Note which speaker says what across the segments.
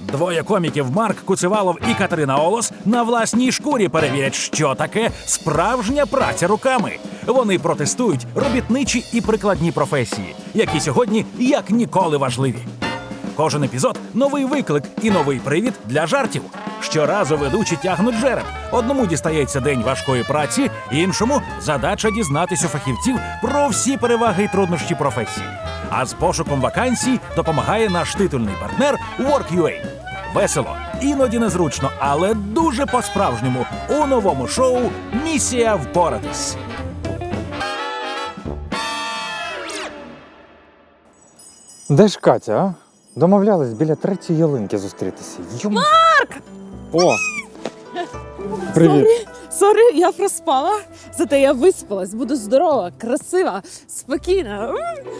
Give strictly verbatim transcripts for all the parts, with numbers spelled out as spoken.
Speaker 1: Двоє коміків Марк Куцевалов і Катерина Олос на власній шкурі перевірять, що таке справжня праця руками. Вони протестують робітничі і прикладні професії, які сьогодні як ніколи важливі. Кожен епізод – новий виклик і новий привід для жартів. Щоразу ведучі тягнуть жереб. Одному дістається день важкої праці, іншому – задача дізнатись у фахівців про всі переваги і труднощі професії. А з пошуком вакансій допомагає наш титульний партнер Work.ua. Весело, іноді незручно, але дуже по-справжньому у новому шоу «Місія впоратись».
Speaker 2: Де ж Катя, а? Домовлялись біля третьої ялинки зустрітися. Йом...
Speaker 3: Марк!
Speaker 2: О! Привіт!
Speaker 3: Сорі, я проспала. Зате я виспалась, буду здорова, красива, спокійна.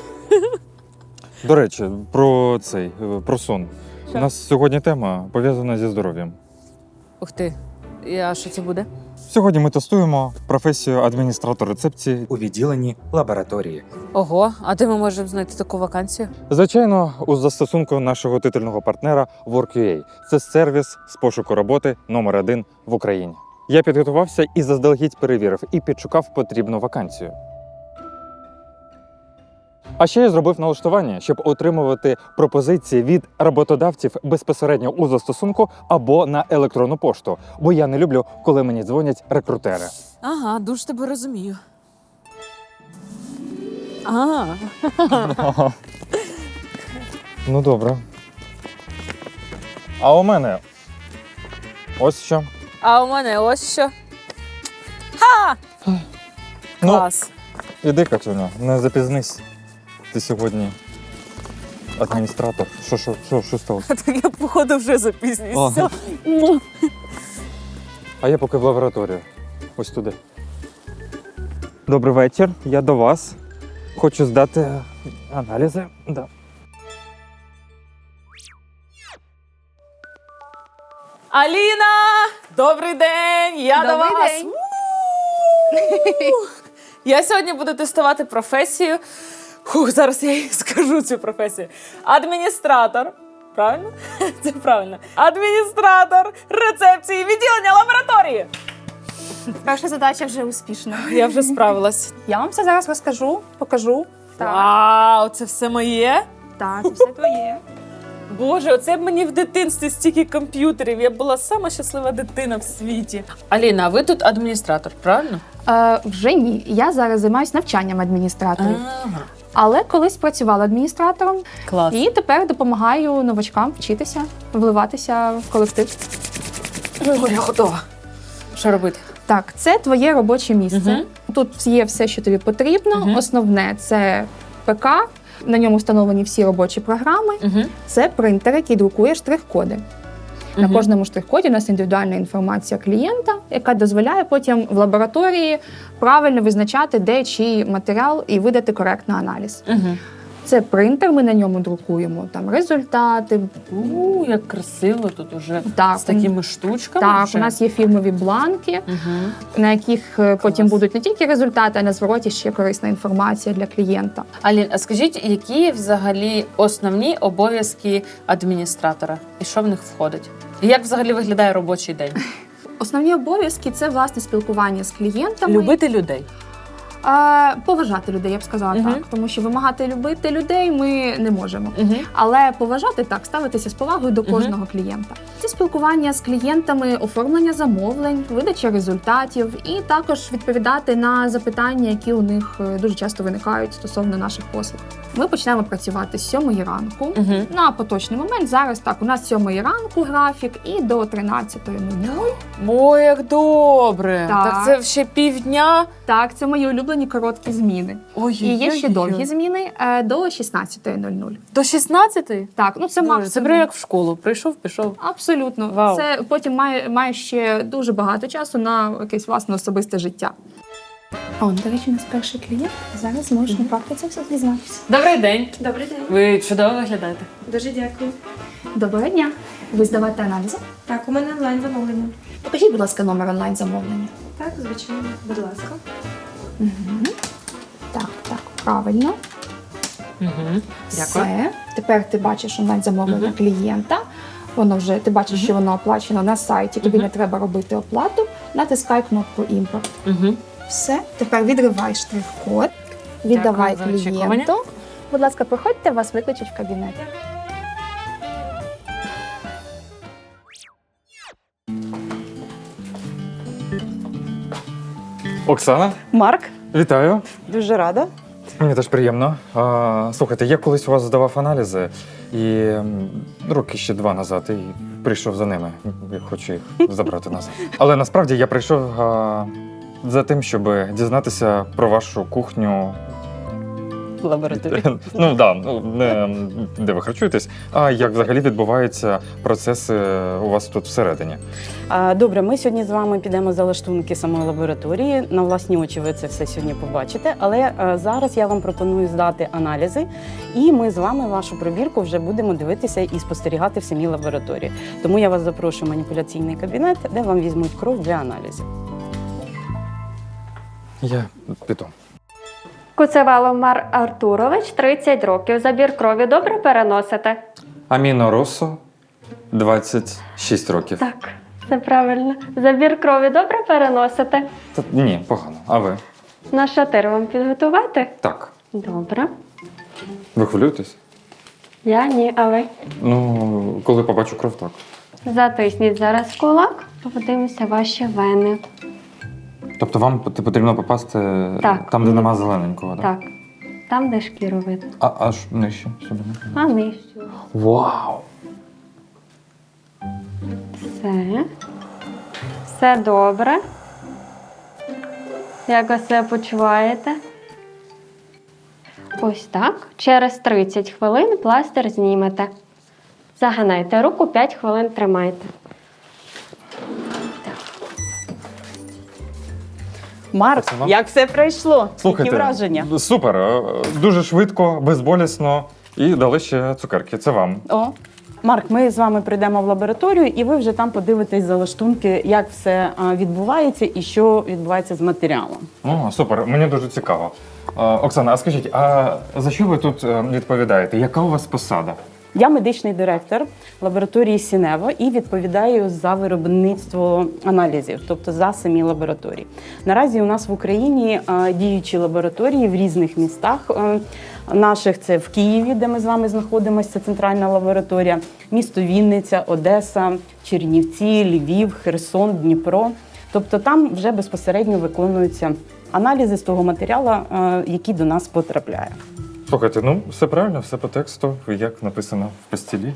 Speaker 2: До речі, про цей, про сон.
Speaker 3: Що?
Speaker 2: У нас сьогодні тема пов'язана зі здоров'ям.
Speaker 3: Ух ти, а що це буде?
Speaker 2: Сьогодні ми тестуємо професію адміністратор рецепції.
Speaker 4: у відділенні лабораторії.
Speaker 3: Ого, а де ми можемо знайти таку вакансію?
Speaker 2: Звичайно, у застосунку нашого титульного партнера Work.ua. Це сервіс з пошуку роботи номер один в Україні. Я підготувався і заздалегідь перевірив, і підшукав потрібну вакансію. А ще я зробив налаштування, щоб отримувати пропозиції від роботодавців безпосередньо у застосунку або на електронну пошту, бо я не люблю, коли мені дзвонять рекрутери.
Speaker 3: Ага, дуже тебе розумію. А,
Speaker 2: Ну добре. А у мене ось що.
Speaker 3: а у мене ось що. Ха! Клас.
Speaker 2: Ну, іди, Катюня, не запізнись. Ти сьогодні адміністратор. Що, що, що, що сталося?
Speaker 3: Так я, походу, вже запізнююся.
Speaker 2: Ага. А я поки в лабораторію. Ось туди. Добрий вечір, я до вас. Хочу здати аналізи. Да.
Speaker 3: Аліна! Добрий день! Я до
Speaker 5: Добрий
Speaker 3: вас!
Speaker 5: день.
Speaker 3: У-у-у! Я сьогодні буду тестувати професію. Хух, зараз я їй скажу цю професію. Адміністратор. Правильно? Це правильно. Адміністратор рецепції відділення лабораторії.
Speaker 5: Перша задача вже успішна.
Speaker 3: Я вже справилась.
Speaker 5: Я вам все зараз розкажу, покажу. Так,
Speaker 3: Вау, це все моє?
Speaker 5: так, це все твоє.
Speaker 3: Боже, оце б мені в дитинстві стільки комп'ютерів. Я була сама щаслива дитина в світі. Аліна, а ви тут адміністратор, правильно?
Speaker 5: Е, вже ні. Я зараз займаюся навчанням адміністраторів.
Speaker 3: Ага.
Speaker 5: Але колись працювала адміністратором
Speaker 3: Клас.
Speaker 5: і тепер допомагаю новачкам вчитися, вливатися в колектив.
Speaker 3: О, я готова. Що робити?
Speaker 5: Так, це твоє робоче місце.
Speaker 3: Мгм.
Speaker 5: Тут є все, що тобі потрібно.
Speaker 3: Мгм.
Speaker 5: Основне це ПК. На ньому встановлені всі робочі програми.
Speaker 3: Угу.
Speaker 5: Це принтер, який друкує штрих-коди. На
Speaker 3: Мгм.
Speaker 5: кожному штрих-коді у нас індивідуальна інформація клієнта, яка дозволяє потім в лабораторії правильно визначати, де чий матеріал і видати коректний аналіз.
Speaker 3: Угу.
Speaker 5: Це принтер, ми на ньому друкуємо там результати.
Speaker 3: У, як красиво тут уже
Speaker 5: Так,
Speaker 3: з такими штучками.
Speaker 5: Так,
Speaker 3: вже.
Speaker 5: у нас є фірмові бланки,
Speaker 3: Угу.
Speaker 5: на яких е, потім будуть не тільки результати, а на звороті ще корисна інформація для клієнта.
Speaker 3: Алін, а скажіть, які взагалі основні обов'язки адміністратора? І що в них входить? І як взагалі виглядає робочий день?
Speaker 5: Основні обов'язки це власне спілкування з клієнтами.
Speaker 3: Любити людей.
Speaker 5: А, поважати людей, я б сказала
Speaker 3: Мгм.
Speaker 5: так, тому що вимагати любити людей ми не можемо.
Speaker 3: Угу.
Speaker 5: Але поважати так, ставитися з повагою до кожного клієнта. Це спілкування з клієнтами, оформлення замовлень, видача результатів і також відповідати на запитання, які у них е, дуже часто виникають стосовно наших послуг. Ми почнемо працювати з сьомої ранку.
Speaker 3: Угу.
Speaker 5: На поточний момент зараз так, у нас з сьомої ранку графік і до тринадцятої нуль.
Speaker 3: Ой, як добре!
Speaker 5: Так.
Speaker 3: Так це ще півдня.
Speaker 5: Так, це мої улюблені короткі зміни.
Speaker 3: Ой,
Speaker 5: І є ще довгі зміни е, до шістнадцятої нуль.
Speaker 3: До шістнадцятої?
Speaker 5: Так, ну це
Speaker 3: Боже,
Speaker 5: максимум.
Speaker 3: Це прямо як в школу. Прийшов, пішов.
Speaker 5: Абсолютно.
Speaker 3: Вау.
Speaker 5: Це потім має, має ще дуже багато часу на якесь власне особисте життя. О, до речі, у нас перший клієнт. Зараз можеш на практиці все дізнатися.
Speaker 3: Добрий день.
Speaker 5: Добрий день.
Speaker 3: Ви чудово виглядаєте.
Speaker 6: Дуже дякую.
Speaker 5: Доброго дня. Ви здавати аналізи?
Speaker 6: Так, у мене онлайн замовлення.
Speaker 5: Покажіть, будь ласка, номер онлайн-замовлення.
Speaker 6: Так, звичайно, будь ласка.
Speaker 5: Угу. Так, так, правильно.
Speaker 3: Угу. Дякую.
Speaker 5: Все. Тепер ти бачиш онлайн-замовлення
Speaker 3: Мгм.
Speaker 5: клієнта. Воно вже ти бачиш, що воно оплачено на сайті. Тобі не треба робити оплату. Натискай кнопку імпорт.
Speaker 3: Угу.
Speaker 5: Все, тепер відривай штрих-код, віддавай
Speaker 3: Дякую за очікування.
Speaker 5: клієнту. Будь ласка, проходьте, вас викличуть в кабінет.
Speaker 2: Оксана,
Speaker 7: Марк,
Speaker 2: вітаю.
Speaker 7: дуже рада.
Speaker 2: Мені теж приємно. А, слухайте, я колись у вас здавав аналізи і м, роки ще два назад і прийшов за ними. Я хочу їх забрати назад. Але насправді я прийшов а, за тим, щоб дізнатися про вашу кухню.
Speaker 7: Лабораторія.
Speaker 2: Ну да, ну не де ви харчуєтесь, а як взагалі відбуваються процеси у вас тут всередині.
Speaker 7: А, Добре, ми сьогодні з вами підемо за лаштунки самої лабораторії. На власні очі ви це все сьогодні побачите. Але а, зараз я вам пропоную здати аналізи, і ми з вами вашу пробірку вже будемо дивитися і спостерігати в самій лабораторії. Тому я вас запрошую в маніпуляційний кабінет, де вам візьмуть кров для аналізів.
Speaker 2: Я піду.
Speaker 8: Куцевалов Мар Артурович, тридцять років. Забір крові добре переносите?
Speaker 2: Аміно Росо, двадцять шість років.
Speaker 8: Так, це правильно. Забір крові добре переносите?
Speaker 2: Та, ні, погано. А ви?
Speaker 8: На шатир вам підготувати?
Speaker 2: Так.
Speaker 8: Добре.
Speaker 2: Ви хвилюєтесь?
Speaker 8: Я ні, а ви?
Speaker 2: Ну, коли побачу кров, так.
Speaker 8: Затисніть зараз кулак, подивимося ваші вени.
Speaker 2: Тобто вам пот- потрібно попасти
Speaker 8: Так.
Speaker 2: там, де нема зелененького, так?
Speaker 8: Так. Там, де шкіру видно.
Speaker 2: А аж нижче сюди.
Speaker 8: А нижче.
Speaker 2: Вау!
Speaker 8: Все. Все добре. Як ви себе почуваєте? Ось так. Через тридцять хвилин пластир знімете. Загинайте руку, п'ять хвилин тримайте.
Speaker 7: Марк,
Speaker 2: Це вам?
Speaker 7: як все пройшло?
Speaker 2: Слухайте,
Speaker 7: Які враження?
Speaker 2: супер, е, дуже швидко, безболісно і дали ще цукерки. Це вам.
Speaker 7: О, Марк, ми з вами прийдемо в лабораторію, і ви вже там подивитесь за лаштунки, як все а, відбувається і що відбувається з матеріалом.
Speaker 2: О, супер, мені дуже цікаво. Е, Оксана, а скажіть, а за що ви тут е, відповідаєте? Яка у вас посада?
Speaker 7: Я медичний директор лабораторії Сінево і відповідаю за виробництво аналізів, тобто за самі лабораторії. Наразі у нас в Україні е, діючі лабораторії в різних містах. Е, Наших це в Києві, де ми з вами знаходимося, це центральна лабораторія, місто Вінниця, Одеса, Чернівці, Львів, Херсон, Дніпро. Тобто там вже безпосередньо виконуються аналізи з того матеріалу, е, який до нас потрапляє.
Speaker 2: Слухайте, ну все правильно, все по тексту, як написано в постілі.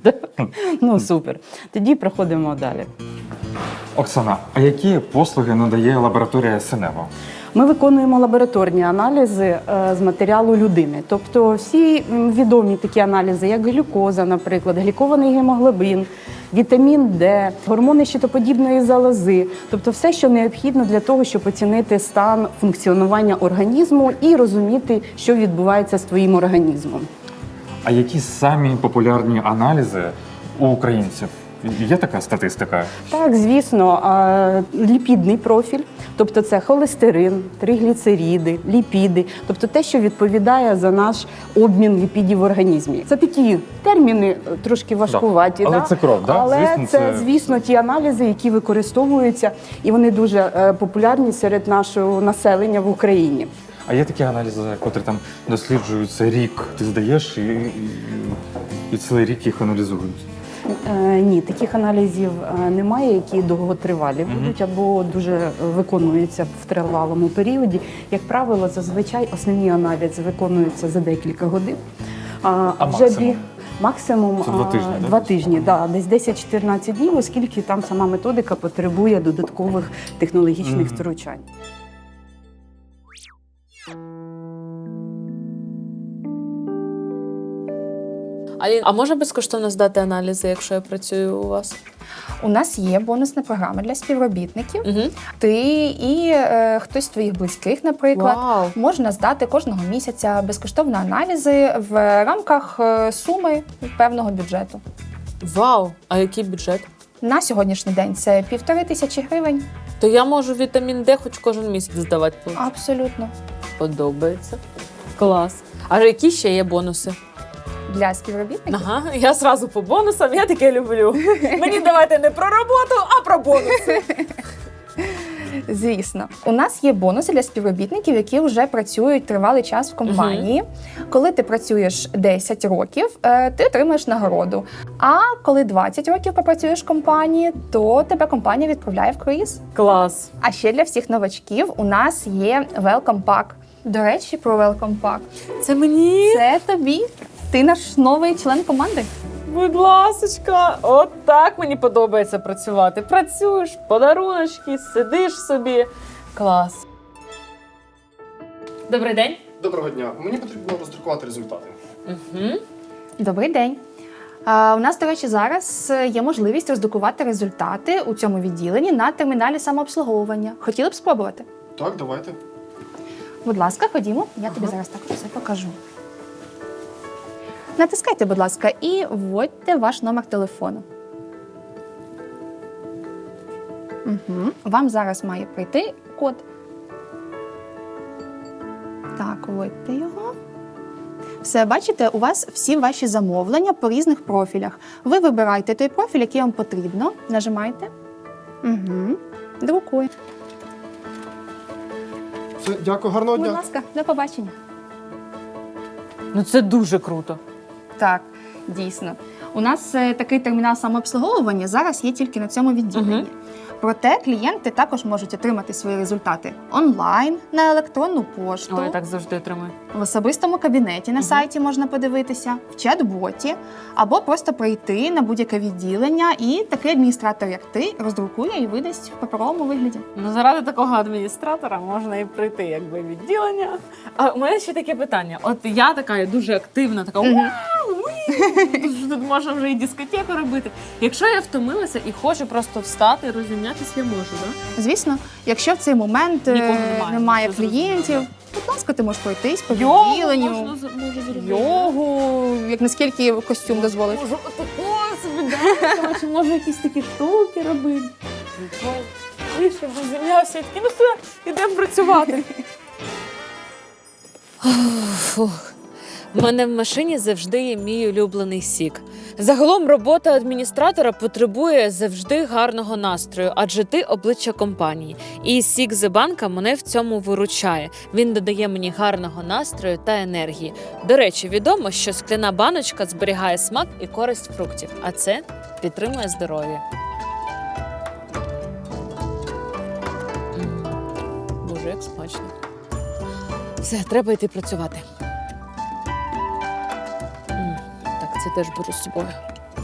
Speaker 7: Ну супер. Тоді проходимо далі.
Speaker 2: Оксана, а які послуги надає лабораторія Синево?
Speaker 7: Ми виконуємо лабораторні аналізи е, з матеріалу людини. Тобто всі м, відомі такі аналізи, як глюкоза, наприклад, глікований гемоглобін, вітамін Д, гормони щитоподібної залози. Тобто все, що необхідно для того, щоб оцінити стан функціонування організму і розуміти, що відбувається з твоїм організмом.
Speaker 2: А які самі популярні аналізи у українців? Є така статистика?
Speaker 7: Так, звісно, а, ліпідний профіль, тобто це холестерин, тригліцериди, ліпіди, тобто те, що відповідає за наш обмін ліпідів в організмі. Це такі терміни трошки важкуваті,
Speaker 2: Але
Speaker 7: да?
Speaker 2: це кров, да?
Speaker 7: Але
Speaker 2: Звісно,
Speaker 7: це,
Speaker 2: це-
Speaker 7: звісно, ті аналізи, які використовуються, і вони дуже е, популярні серед нашого населення в Україні.
Speaker 2: А є такі аналізи, котрі там досліджуються рік, ти здаєш, і, і, і цілий рік їх аналізують.
Speaker 7: Е, ні, таких аналізів е, немає, які довготривалі будуть або дуже виконуються в тривалому періоді. Як правило, зазвичай основні аналізи виконуються за декілька годин. А,
Speaker 2: А
Speaker 7: вже
Speaker 2: максимум?
Speaker 7: бі- максимум
Speaker 2: Це два
Speaker 7: а,
Speaker 2: тижні, да?
Speaker 7: два тижні, да, десь десять-чотирнадцять днів, оскільки там сама методика потребує додаткових технологічних
Speaker 2: Мгм.
Speaker 7: втручань.
Speaker 3: Алін, а можна безкоштовно здати аналізи, якщо я працюю у вас?
Speaker 5: У нас є бонусна програма для співробітників.
Speaker 3: Угу.
Speaker 5: Ти і е, хтось з твоїх близьких, наприклад,
Speaker 3: Вау.
Speaker 5: можна здати кожного місяця безкоштовно аналізи в рамках е, суми певного бюджету.
Speaker 3: Вау! А який бюджет?
Speaker 5: На сьогоднішній день це півтори тисячі гривень.
Speaker 3: То я можу вітамін Д хоч кожен місяць здавати.
Speaker 5: Абсолютно.
Speaker 3: Подобається. Клас. А які ще є бонуси?
Speaker 5: для співробітників.
Speaker 3: Ага, я зразу по бонусам, я таке люблю. Мені давайте не про роботу, а про бонуси.
Speaker 5: Звісно, у нас є бонуси для співробітників, які вже працюють тривалий час в компанії. Коли ти працюєш десять років, е, ти отримаєш нагороду. А коли двадцять років попрацюєш в компанії, то тебе компанія відправляє в круїз.
Speaker 3: Клас.
Speaker 5: А ще для всіх новачків у нас є Welcome Pack. До речі, про Welcome Pack.
Speaker 3: Це мені?
Speaker 5: Це тобі. Ти наш новий член команди.
Speaker 3: Будь ласочка, от так мені подобається працювати. Працюєш, подаруночки, сидиш собі. Клас. Добрий день.
Speaker 9: Доброго дня. Мені потрібно роздрукувати результати.
Speaker 3: Угу.
Speaker 5: Добрий день. А, у нас, до речі, зараз є можливість роздрукувати результати у цьому відділенні на терміналі самообслуговування. Хотіли б спробувати?
Speaker 9: Так, давайте.
Speaker 5: Будь ласка, ходімо. Я тобі зараз так все покажу. Натискайте, будь ласка, і вводьте ваш номер телефону. Угу. Вам зараз має прийти код. Так, вводьте його. Все, бачите, у вас всі ваші замовлення по різних профілях. Ви вибираєте той профіль, який вам потрібно. Нажимаєте. Угу. Друкуй.
Speaker 9: Все, дякую, гарного
Speaker 5: Будь
Speaker 9: дня.
Speaker 5: ласка, до побачення.
Speaker 3: Ну це дуже круто.
Speaker 5: Так, дійсно. У нас е, такий термінал самообслуговування зараз є тільки на цьому відділенні.
Speaker 3: Мгм.
Speaker 5: Проте клієнти також можуть отримати свої результати онлайн, на електронну пошту,
Speaker 3: Ой, я так завжди отримую.
Speaker 5: в особистому кабінеті на
Speaker 3: Мгм.
Speaker 5: сайті можна подивитися, в чат-боті, або просто прийти на будь-яке відділення, і такий адміністратор, як ти, роздрукує і видасть в паперовому вигляді.
Speaker 3: Ну, заради такого адміністратора можна і прийти, якби відділення. А у мене ще таке питання. От я така я дуже активна, така
Speaker 5: Мгм.
Speaker 3: вау, уї, тут можна вже і дискотеку робити. Якщо я втомилася і хочу просто встати і розімнятися, я можу, так?
Speaker 5: Звісно, якщо в цей момент е,
Speaker 3: Нікого немає,
Speaker 5: немає
Speaker 3: все
Speaker 5: клієнтів, будь ласка, ти можеш пройтись по
Speaker 3: Йогу
Speaker 5: відділенню.
Speaker 3: можна з- можу зробити.
Speaker 5: Йогу, як наскільки костюм дозволить.
Speaker 3: Можу отако собі дати, чи можу якісь такі штуки робити. І щоб розім'явся, і такі, ну все, ідемо працювати. Фух. У мене в машині завжди є мій улюблений сік. Загалом робота адміністратора потребує завжди гарного настрою, адже ти обличчя компанії. І сік з банка мене в цьому виручає. Він додає мені гарного настрою та енергії. До речі, відомо, що скляна баночка зберігає смак і користь фруктів, а це підтримує здоров'я. М, Боже, як смачно. Все, треба йти працювати. М, Так, це теж беру з собою.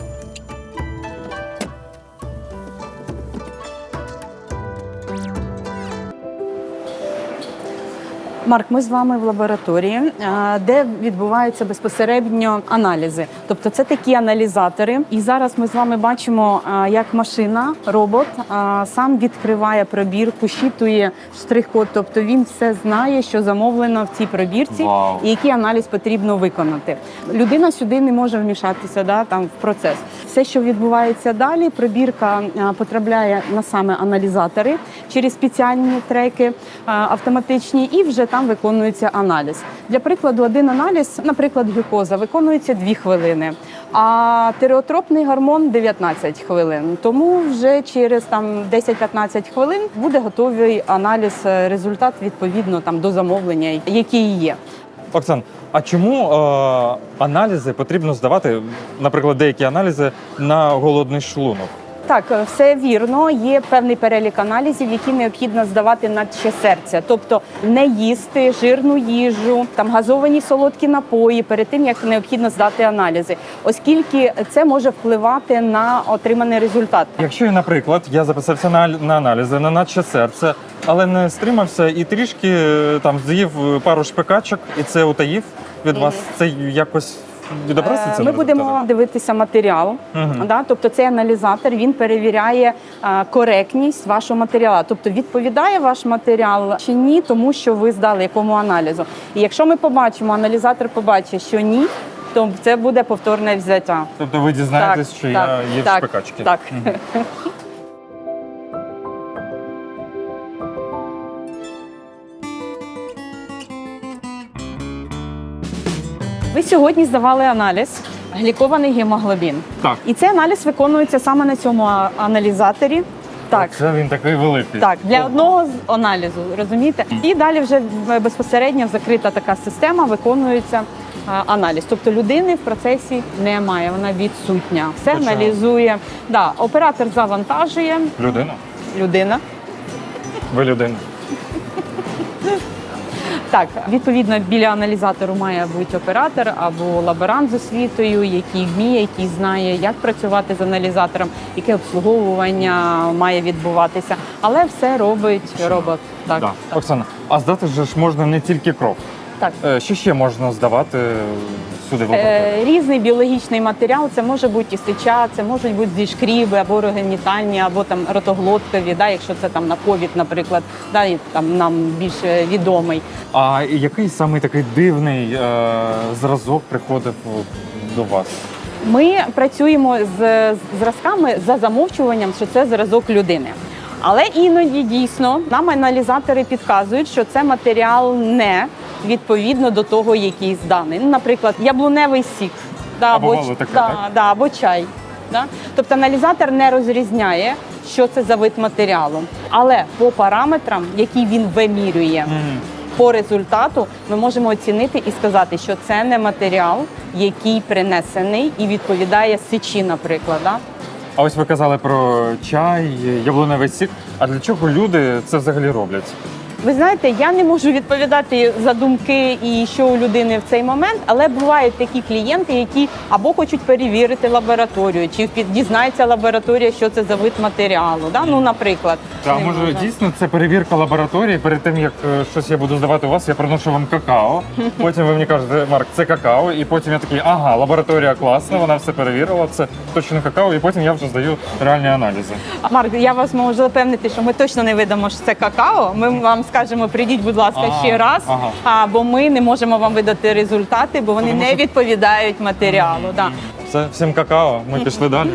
Speaker 7: Марк, ми з вами в лабораторії, е, де відбуваються безпосередньо аналізи. Тобто це такі аналізатори. І зараз ми з вами бачимо, е, як машина, робот е, сам відкриває пробірку, щитує штрих-код. Тобто він все знає, що замовлено в цій пробірці
Speaker 2: Вау.
Speaker 7: і який аналіз потрібно виконати. Людина сюди не може вмішатися, да, там, в процес. Все, що відбувається далі, пробірка е, потрапляє на саме аналізатори через спеціальні треки е, автоматичні, і вже там виконується аналіз. Для прикладу, один аналіз, наприклад, глюкоза, виконується дві хвилини, а тиреотропний гормон дев'ятнадцять хвилин. Тому вже через там десять-п'ятнадцять хвилин буде готовий аналіз, е, результат відповідно там до замовлення, який є.
Speaker 2: Оксан, а чому е, аналізи потрібно здавати, наприклад, деякі аналізи на голодний шлунок?
Speaker 7: Так, все вірно. Є певний перелік аналізів, які необхідно здавати на ще серця. Тобто не їсти жирну їжу, там газовані солодкі напої перед тим, як необхідно здати аналізи, оскільки це може впливати на отриманий результат.
Speaker 2: Якщо, я, наприклад, я записався на, на аналізи на наче серце, але не стримався і трішки е, там з'їв пару шпикачок, і це утаїв від вас, це якось відобразиться?
Speaker 7: Е,
Speaker 2: на
Speaker 7: Ми будемо
Speaker 2: результаті?
Speaker 7: дивитися матеріал.
Speaker 2: Мгм.
Speaker 7: Да? Тобто цей аналізатор, він перевіряє е, коректність вашого матеріалу. Тобто відповідає ваш матеріал чи ні, тому що ви здали якому аналізу. І якщо ми побачимо, аналізатор побачить, що ні, то це буде повторне взяття.
Speaker 2: Тобто ви дізнаєтесь,
Speaker 7: Так,
Speaker 2: що
Speaker 7: так,
Speaker 2: я їв
Speaker 7: так,
Speaker 2: шпикачки?
Speaker 7: так.
Speaker 2: Мгм.
Speaker 7: Ви сьогодні здавали аналіз глікований гемоглобін.
Speaker 2: Так.
Speaker 7: І цей аналіз виконується саме на цьому а- аналізаторі. Так.
Speaker 2: Це він такий великий.
Speaker 7: Так, для одного з аналізу, розумієте? І далі вже безпосередньо закрита така система, виконується а, аналіз. Тобто людини в процесі немає, вона відсутня. Все
Speaker 2: Точно.
Speaker 7: аналізує. Да, оператор завантажує,
Speaker 2: Людина?
Speaker 7: людина.
Speaker 2: Ви людина.
Speaker 7: Так, відповідно, біля аналізатору має бути оператор або лаборант з освітою, який вміє, який знає, як працювати з аналізатором, яке обслуговування має відбуватися. Але все робить робот. Так,
Speaker 2: Да.
Speaker 7: так.
Speaker 2: Оксана, а здати же ж можна не тільки кров.
Speaker 7: Так.
Speaker 2: Е, Що ще можна здавати сюди в лабораторію?
Speaker 7: Е, різний біологічний матеріал, це може бути і сеча, це можуть бути зі шкріби або рогенітальні, або там ротоглоткові, да, якщо це там на ковід, наприклад, да, і там нам більш відомий.
Speaker 2: А який саме такий дивний е, зразок приходив до вас?
Speaker 7: Ми працюємо з зразками за замовчуванням, що це зразок людини. Але іноді дійсно нам аналізатори підказують, що це матеріал не відповідно до того, який зданий. Ну, наприклад, яблуневий сік, да,
Speaker 2: А бувало
Speaker 7: ч-
Speaker 2: таке,
Speaker 7: да,
Speaker 2: так?
Speaker 7: да, або чай. Да? Тобто аналізатор не розрізняє, що це за вид матеріалу. Але по параметрам, які він вимірює, по результату ми можемо оцінити і сказати, що це не матеріал, який принесений і відповідає сечі, наприклад. Да?
Speaker 2: А ось ви казали про чай, яблуневий сік. А для чого люди це взагалі роблять?
Speaker 7: Ви знаєте, я не можу відповідати за думки і що у людини в цей момент, але бувають такі клієнти, які або хочуть перевірити лабораторію, чи під- дізнається лабораторія, що це за вид матеріалу. Да? Ну, наприклад.
Speaker 2: Та
Speaker 7: не
Speaker 2: може
Speaker 7: можна.
Speaker 2: дійсно це перевірка лабораторії. Перед тим як е, щось я буду здавати у вас, я приношу вам какао. Потім ви мені кажете, Марк, це какао. І потім я такий, ага, лабораторія класна, вона все перевірила, це точно какао. І потім я вже здаю реальні аналізи.
Speaker 7: Марк, я вас можу запевнити, що ми точно не видамо, що це какао. Ми вам скажемо, прийдіть, будь ласка,
Speaker 2: Ага,
Speaker 7: ще раз,
Speaker 2: ага.
Speaker 7: а, бо ми не можемо вам видати результати, бо вони
Speaker 2: Тому
Speaker 7: не
Speaker 2: що-
Speaker 7: відповідають матеріалу. Да.
Speaker 2: Все, всім какао. Ми пішли далі.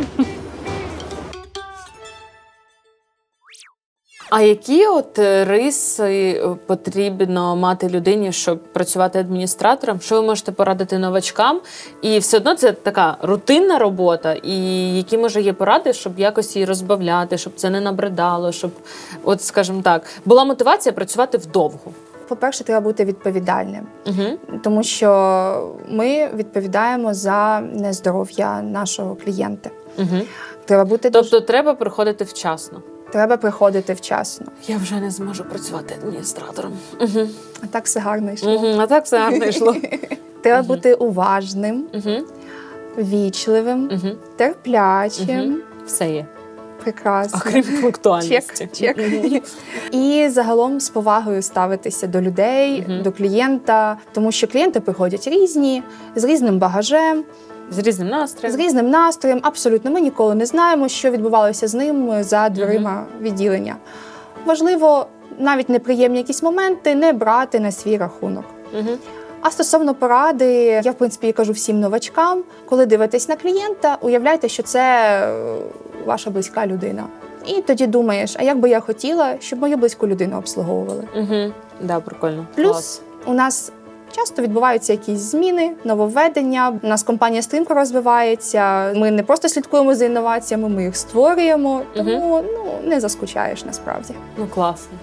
Speaker 3: А які от е, риси е, потрібно мати людині, щоб працювати адміністратором? Що ви можете порадити новачкам? І все одно це така рутинна робота. І які може є поради, щоб якось її розбавляти, щоб це не набридало, щоб, от скажімо так, була мотивація працювати вдовго.
Speaker 5: По-перше, треба бути відповідальним,
Speaker 3: Угу.
Speaker 5: тому що ми відповідаємо за нездоров'я нашого клієнта.
Speaker 3: Угу.
Speaker 5: Треба бути дуже-
Speaker 3: Тобто треба приходити вчасно.
Speaker 5: треба приходити вчасно.
Speaker 3: Я вже не зможу працювати адміністратором. Угу.
Speaker 5: А так все гарно йшло.
Speaker 3: Угу. А так все гарно йшло.
Speaker 5: Треба бути уважним,
Speaker 3: Угу.
Speaker 5: ввічливим,
Speaker 3: Угу.
Speaker 5: терплячим.
Speaker 3: Все є.
Speaker 5: Прекрасно.
Speaker 3: Окрім пунктуальності.
Speaker 5: Чек, чек. І загалом з повагою ставитися до людей,
Speaker 3: Мгм.
Speaker 5: до клієнта, тому що клієнти приходять різні, з різним багажем,
Speaker 3: З різним
Speaker 5: з
Speaker 3: настроєм.
Speaker 5: різним настроєм. Абсолютно, ми ніколи не знаємо, що відбувалося з ним за дверима відділення. Важливо навіть неприємні якісь моменти не брати на свій рахунок.
Speaker 3: Угу.
Speaker 5: А стосовно поради, я в принципі кажу всім новачкам, коли дивитесь на клієнта, уявляйте, що це е, ваша близька людина. І тоді думаєш, а як би я хотіла, щоб мою близьку людину обслуговували.
Speaker 3: Угу. Да, прикольно.
Speaker 5: Плюс
Speaker 3: Клас.
Speaker 5: у нас часто відбуваються якісь зміни, нововведення. У нас компанія стрімко розвивається. Ми не просто слідкуємо за інноваціями, ми їх створюємо. Тому ну не заскучаєш насправді.
Speaker 3: Ну, класно.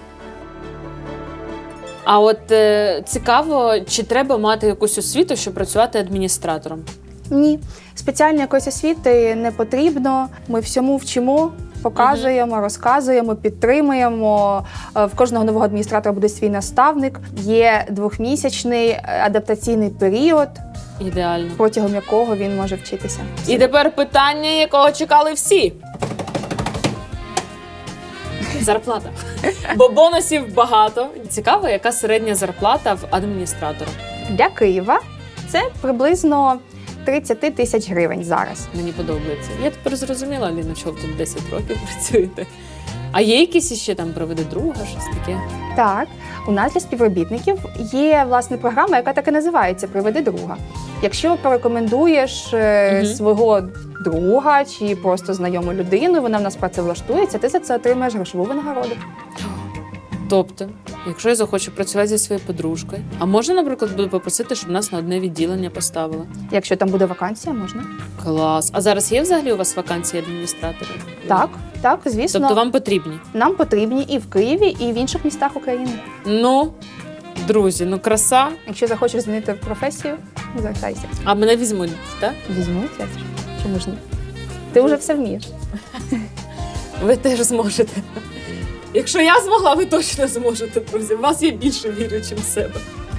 Speaker 3: А от е, цікаво, чи треба мати якусь освіту, щоб працювати адміністратором?
Speaker 5: Ні, спеціальної якоїсь освіти не потрібно. Ми всьому вчимо. Показуємо, розказуємо, підтримуємо. Е, В кожного нового адміністратора буде свій наставник. Є двохмісячний е, адаптаційний період,
Speaker 3: Ідеально.
Speaker 5: протягом якого він може вчитися.
Speaker 3: І тепер питання, якого чекали всі. Зарплата. Бо бонусів багато. Цікаво, яка середня зарплата в адміністратора.
Speaker 5: Для Києва це приблизно тридцять тисяч гривень зараз.
Speaker 3: Мені подобається. Я тепер зрозуміла, Аліна, що ви тут десять років працюєте. А є якісь іще там приведе друга, щось таке?
Speaker 5: Так, у нас для співробітників є власне програма, яка так і називається «Приведи друга». Якщо порекомендуєш е,
Speaker 3: Мгм.
Speaker 5: свого друга чи просто знайому людину, вона в нас працевлаштується, ти за це отримаєш грошову винагороду.
Speaker 3: Тобто, якщо я захочу працювати зі своєю подружкою, а можна, наприклад, буду попросити, щоб нас на одне відділення поставили?
Speaker 5: Якщо там буде вакансія, можна.
Speaker 3: Клас. А зараз є взагалі у вас вакансії адміністраторів?
Speaker 5: Так, так, звісно.
Speaker 3: Тобто вам потрібні?
Speaker 5: Нам потрібні і в Києві, і в інших містах України.
Speaker 3: Ну, друзі, ну краса.
Speaker 5: Якщо захочеш змінити професію, звертайся.
Speaker 3: А мене візьмуть, так?
Speaker 5: Візьмуть, я ж. Чому ж ні? Ти вже все вмієш.
Speaker 3: Ви теж зможете. Якщо я змогла, ви точно зможете, друзі. В вас я більше вірю, ніж в себе.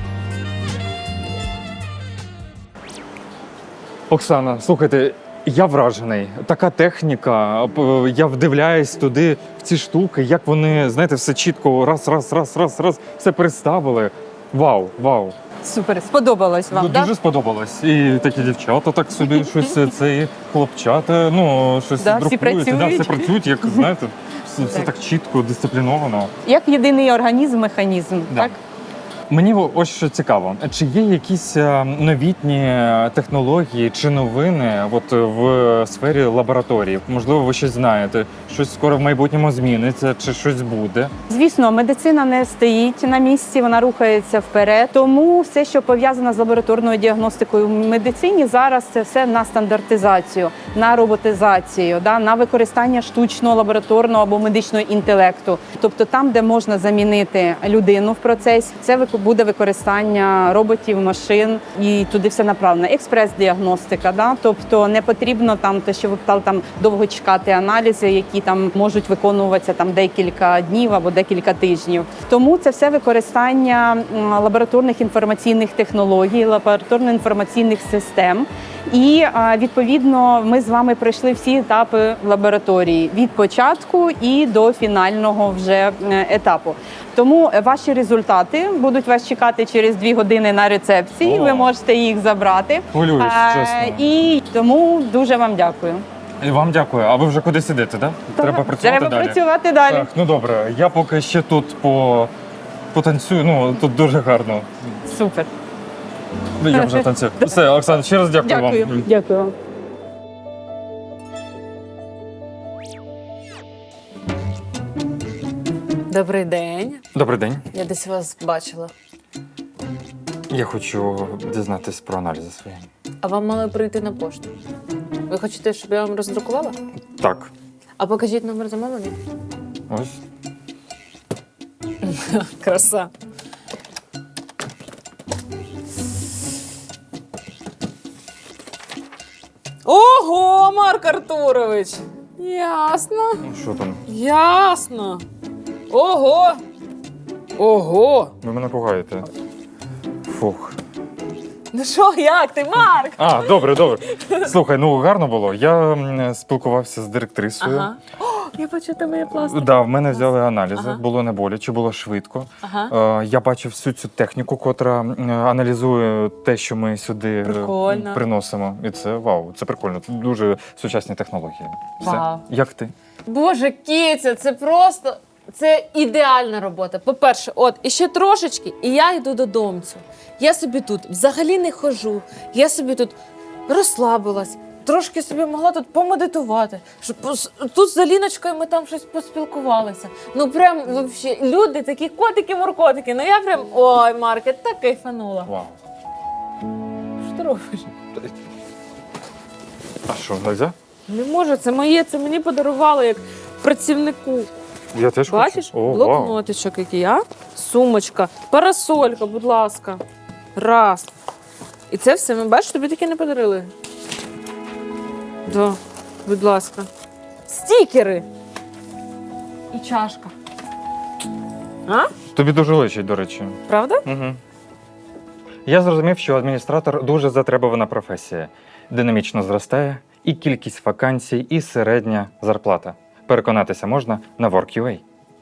Speaker 2: Оксана, слухайте, я вражений. Така техніка. п- Я вдивляюсь туди, в ці штуки, як вони, знаєте, все чітко раз, раз, раз, раз, раз, все переставили. Вау, вау.
Speaker 7: Супер, сподобалось вам,
Speaker 2: Ну,
Speaker 7: так?
Speaker 2: дуже сподобалось. І такі дівчата так собі щось, це і хлопчата, ну, щось
Speaker 7: Да, всі
Speaker 2: друкують. Да,
Speaker 7: працюють.
Speaker 2: все працюють, як, знаєте, все, все так чітко, дисципліновано.
Speaker 7: Як єдиний організм, механізм,
Speaker 2: Да.
Speaker 7: так?
Speaker 2: Мені ось що цікаво, чи є якісь е, новітні технології чи новини от в сфері лабораторії? Можливо, ви щось знаєте, щось скоро в майбутньому зміниться, чи щось буде?
Speaker 7: Звісно, медицина не стоїть на місці, вона рухається вперед. Тому все, що пов'язано з лабораторною діагностикою в медицині, зараз це все на стандартизацію, на роботизацію, да, на використання штучного лабораторного або медичного інтелекту. Тобто там, де можна замінити людину в процесі, це вик- буде використання роботів, машин, і туди все направлено. Експрес-діагностика, да? Тобто не потрібно там те, що ви питали, там довго чекати аналізи, які там можуть виконуватися там декілька днів або декілька тижнів. Тому це все використання м, лабораторних інформаційних технологій, лабораторно-інформаційних систем. І а, відповідно ми з вами пройшли всі етапи лабораторії від початку і до фінального вже е, етапу. Тому ваші результати будуть вас чекати через дві години на рецепції.
Speaker 2: О.
Speaker 7: Ви можете їх забрати.
Speaker 2: Хвилююсь,
Speaker 7: Е,
Speaker 2: чесно.
Speaker 7: І тому дуже вам дякую.
Speaker 2: І вам дякую. А ви вже кудись ідете, так? Треба працювати
Speaker 7: Треба
Speaker 2: далі.
Speaker 7: працювати далі.
Speaker 2: Так, ну добре. Я поки ще тут по потанцюю. Ну тут дуже гарно.
Speaker 7: Супер.
Speaker 2: Ну, я вже танцюю. Все, Оксана, ще раз дякую,
Speaker 7: Дякую.
Speaker 2: вам.
Speaker 7: Дякую вам.
Speaker 3: Добрий день.
Speaker 2: Добрий день.
Speaker 3: Я десь вас бачила.
Speaker 2: Я хочу дізнатись про аналізи свої.
Speaker 3: А вам мали прийти на пошту. Ви хочете, щоб я вам роздрукувала?
Speaker 2: Так,
Speaker 3: А покажіть номер замовлення.
Speaker 2: ось.
Speaker 3: Краса. Ого, Марк Артурович! Ясно.
Speaker 2: Ну, що там?
Speaker 3: Ясно. Ого. Ого.
Speaker 2: Ви мене пугаєте. Фух.
Speaker 3: Ну що, як ти, Марк?
Speaker 2: А, добре, добре. Слухай, ну гарно було. Я м, спілкувався з директрисою.
Speaker 3: Ага. О, я бачу, тебе є пластик.
Speaker 2: Да, в мене взяли аналізи,
Speaker 3: Ага.
Speaker 2: було не боляче, було швидко.
Speaker 3: Ага.
Speaker 2: Е, я бачив всю цю техніку, котра м, аналізує те, що ми сюди е,
Speaker 3: Прикольно.
Speaker 2: приносимо. І це вау, це прикольно. Це дуже сучасні технології. Все.
Speaker 3: Вау.
Speaker 2: Як ти?
Speaker 3: Боже, Кіця, це просто це ідеальна робота. По-перше, от і ще трошечки, і я йду додомцю. Я собі тут взагалі не хожу. Я собі тут розслабилась, трошки собі могла тут помедитувати. Щоб пос- тут з Аліночкою ми там щось поспілкувалися. Ну прям вообще люди такі котики-муркотики. Ну я прям ой, Марк, я так кайфанула.
Speaker 2: Вау.
Speaker 3: Що ти робиш?
Speaker 2: А що, нельзя?
Speaker 3: Не можу, це моє, це мені подарували як працівнику.
Speaker 2: Я теж
Speaker 3: Бачиш?
Speaker 2: хочу. О, вау.
Speaker 3: Блокнотичок який, а? Сумочка, парасолька, будь ласка. Раз. І це все, ми бачиш, тобі таке не подарили. Да, будь ласка. Стікери. І чашка. А?
Speaker 2: Тобі дуже личить, до речі.
Speaker 3: Правда?
Speaker 2: Угу. Я зрозумів, що адміністратор дуже затребувана професія. Динамічно зростає і кількість вакансій, і середня зарплата. Переконатися можна на WorkUA.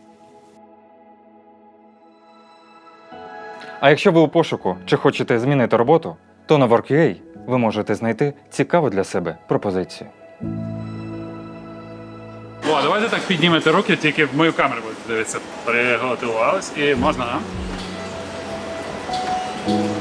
Speaker 2: А якщо ви у пошуку чи хочете змінити роботу, то на WorkUA ви можете знайти цікаву для себе пропозицію.
Speaker 10: О, давайте так піднімете руки, тільки в мою камеру будете дивитися. Приготувались і можна, а?